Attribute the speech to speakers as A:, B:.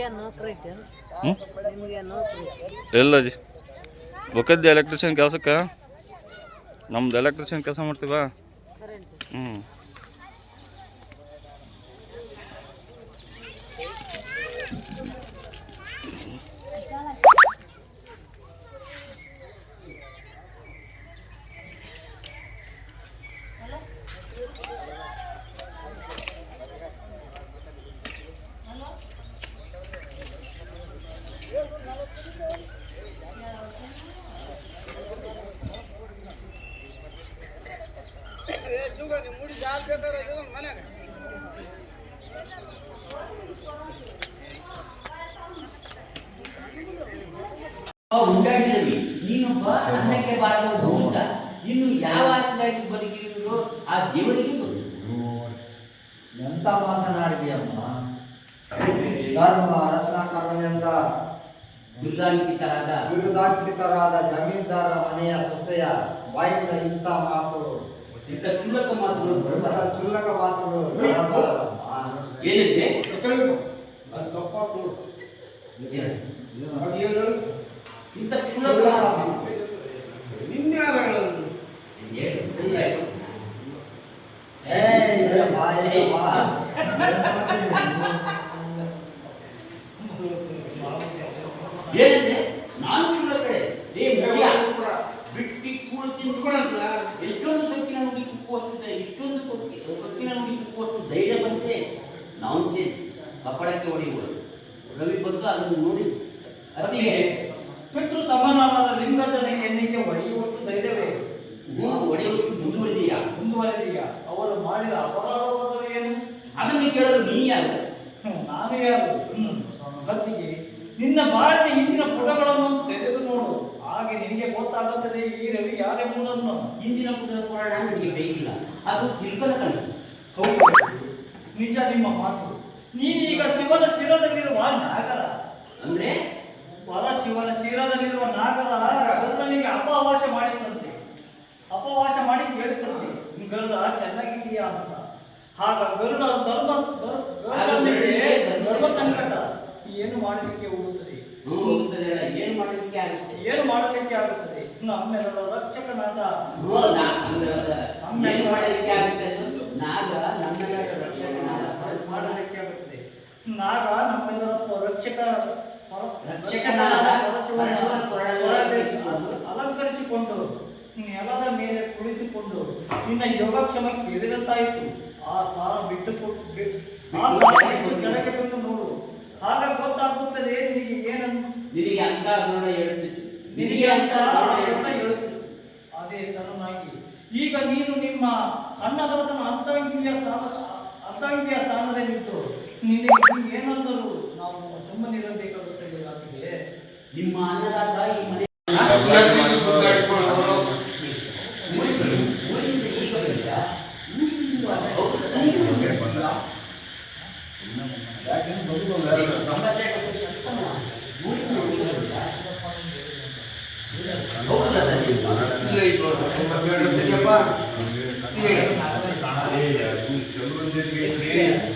A: ಎಲ್ಲ G ಗೊತ್ತಿದ್ದೆ electrician ಕೆಲಸಕ್ಕೆ ನಮ್ದು ಎಲೆಕ್ಟ್ರಿಷಿಯನ್ ಕೆಲಸ ಮಾಡ್ತೀವ ಹ್ಞೂ
B: ಉಂಟಾಡಿದ್ರಿ ನೀನೊಬ್ಬ ಅನ್ನಕ್ಕೆ ಬಾರಬಹುದು ಅಂತ ಇನ್ನು ಯಾವ ಆಸೆಗಾಗಿ ಬದುಕಿದ್ರು ಆ ದೇವರಿಗೆ ಬದುಕು
C: ಎಂತ ಮಾತನಾಡಿದೆಯಮ್ಮ ಧರ್ಮ ರಚನಾಕರ್ಮನೆಂದ ಬಿರುದಾಂಕಿತರಾದ ಜಮೀನ್ದಾರರ ಮನೆಯ ಸೊಸೆಯ ಬಾಯಿಂದ ಇಂಥ ಮಾತು
B: ಇಂಥ ಕ್ಷುಲ್ಲಕ ಮಾತುಗಳು ಏನಿದೆ ಇಂಥ ಕ್ಷುಲ್ಲಕ ಏನಂದ್ರೆ ನಾನು ಕ್ಷುಲ್ಲಕಡೆ ಬಿಟ್ಟಿ ಕೂಳು ತಿಂದು ಎಷ್ಟೊಂದು ಸೊಕ್ಕಿನ ನುಡಿ ಕುಕ್ಕುವಷ್ಟು ಇಷ್ಟೊಂದು ಸೊಕ್ಕಿನ ನುಡಿ ಕುಕ್ಕುವಷ್ಟು ಧೈರ್ಯ ಬಂದ್ರೆ ನಾವು ಸೇರಿ ಕಪ್ಪಳಕ್ಕೆ ಹೊಡೆಯುವುದು ರವಿ ಬಂದು ಅದನ್ನು ನೋಡಿ ಅತ್ತಿಗೆ
D: ಪಿತೃ ಸಮಾನವಾದ ಲಿಂಗದ ಎಣ್ಣಿಗೆ ಹೊಡೆಯುವಷ್ಟು ಧೈರ್ಯವೇ
B: ಹೊಡೆಯುವಷ್ಟು ಮುಂದುವರೆದೆಯಾ
D: ಅವರು ಮಾಡಿದ ಅಪರಾಧವಾದರೂ ಏನು
B: ಅದನ್ನು ಕೇಳಲು ನೀ ಯಾರು
D: ನಾನು ಯಾರು ಹೊತ್ತಿಗೆ ನಿನ್ನ ಬಾಳಿನ ಹಿಂದಿನ ಪುಟಗಳನ್ನು ತೆರೆದು ನೋಡು ಹಾಗೆ ನಿನಗೆ ಗೊತ್ತಾಗುತ್ತದೆ ಈ ರವಿ ಯಾರೆಂಬುದನ್ನು.
B: ಹಿಂದಿನ ಪುಟದ ಪುರಾಣ ನನಗೆ ಬೇಕಿಲ್ಲ, ಅದು ತಿರುಕನ ಕನಸು.
D: ಹೌದು, ನಿಜ ನಿಮ್ಮ ಮಾತು. ನೀನೀಗ ಶಿವನ ಶಿರದಲ್ಲಿರುವ ನಾಗರ
B: ಅಂದ್ರೆ
D: ಶಿವನ ಶಿರದಲ್ಲಿರುವ ನಾಗರ ಗರುಡನಿಗೆ ಅಪವಾಸ ಮಾಡಿದಂತೆ, ಅಪವಾಸ ಮಾಡಿ ಕೇಳುತ್ತಂತೆ ಗರುಡ ಚೆನ್ನಾಗಿದೆಯಾ ಅಂತ. ಆಗ ಗರುಡ ಧರ್ಮ ಸಂಕಟ ಏನು ಮಾಡಲಿಕ್ಕೆ ಹೋಗುತ್ತದೆ, ಏನು ಮಾಡಲಿಕ್ಕೆ ಆಗುತ್ತದೆ. ನಮ್ಮೆಲ್ಲರ ರಕ್ಷಕನಾದ ಮಾಡಲಿಕ್ಕೆ ಆಗುತ್ತದೆ. ನಾಗ ನಮ್ಮೆಲ್ಲರ ಅಲಂಕರಿಸಿಕೊಂಡು ನೆಲದ ಮೇಲೆ ಕುಳಿತುಕೊಂಡು ನಿನ್ನ ಯೋಗಕ್ಷಮ ಕೇಳಿದಂತಾಯಿತು. ಆ ಸ್ಥಾನ ಬಿಟ್ಟು ಕೆಳಗೆ ಬಂದು ನೋಡು, ಆಗ ಗೊತ್ತಾಗುತ್ತದೆ ನಿನಗೆ ಏನನ್ನು.
B: ನಿನಗೆ ಅಂತ
D: ನಿನಗೆ ಅಂತ ಹೇಳುತ್ತೆ. ಅದೇ ತರನಾಗಿ ಈಗ ನೀನು ನಿಮ್ಮ ಅನ್ನದಾತನ ಅರ್ಧಾಂಗಿಯ ಸ್ಥಾನದಲ್ಲಿದ್ದು ನಿನಗೆ ಏನಂದರೂ ನಾವು ಸುಮ್ಮನಿರಬೇಕಾಗುತ್ತದೆ. ಆಕೆಗೆ
B: ನಿಮ್ಮ ಅನ್ನದಾತ ಈ ಮನೆ
E: ಚಂದ್ರನ್